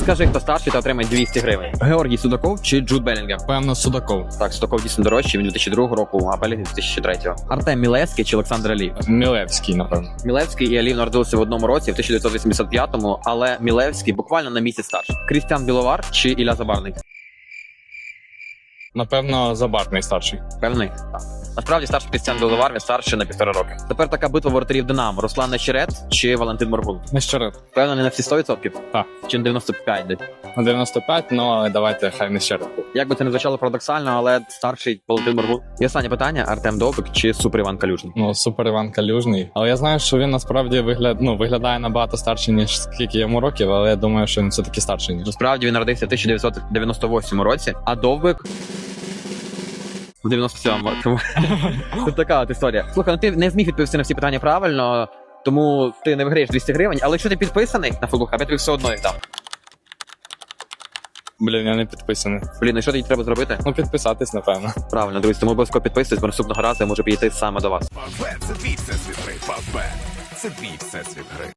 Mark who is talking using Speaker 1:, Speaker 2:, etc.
Speaker 1: Скажи, хто старший, та отримає 200 гривень. Георгій Судаков чи Джуд Белінгем?
Speaker 2: Певно, Судаков.
Speaker 1: Так, Судаков дійсно дорожчий, він 2002 року, а Белінгем 2003. Артем Мілевський чи Олександр Алієв?
Speaker 2: Мілевський, напевно.
Speaker 1: Мілевський і Алієв народилися в одному році, в 1985-му, але Мілевський буквально на місяць старший. Крістіан Біловар чи Ілля Забарний?
Speaker 2: Напевно, Забарний старший.
Speaker 1: Певний? Так. Насправді старший Крістіан Біловар, він старший на 1,5 роки. Тепер така битва воротарів Динамо. Руслан Нещерет чи Валентин Моргун?
Speaker 2: Нещерет.
Speaker 1: Певно, не на всі 100%?
Speaker 2: Так.
Speaker 1: Чи на 95 десь?
Speaker 2: На 95, ну але давайте хай Нещерет.
Speaker 1: Як би це не звучало парадоксально, але старший Валентин Моргун. І останнє питання: Артем Довбик чи Супер Іван Калюжний?
Speaker 2: Ну, супер Іван Калюжний. Але я знаю, що він насправді виглядає набагато старше, ніж скільки йому років, але я думаю, що він все-таки старший, ніж.
Speaker 1: Насправді він народився в 1998 році, а Довбик в 97-му. Це така от історія. Слухай, ну ти не зміг відповісти на всі питання правильно, тому ти не виграєш 200 гривень, але якщо ти підписаний на Футбол Хаб, я тобі все одно їх дам.
Speaker 2: Блін, я не підписаний.
Speaker 1: Блін, і що тоді треба зробити?
Speaker 2: Ну, підписатись, напевно.
Speaker 1: Правильно, друзі, тому обов'язково підписуйтесь, бо наступного разу я можу підійти саме до вас.
Speaker 3: Фавбет – це твій всесвіт гри. Фавбет – це твій всесвіт гри.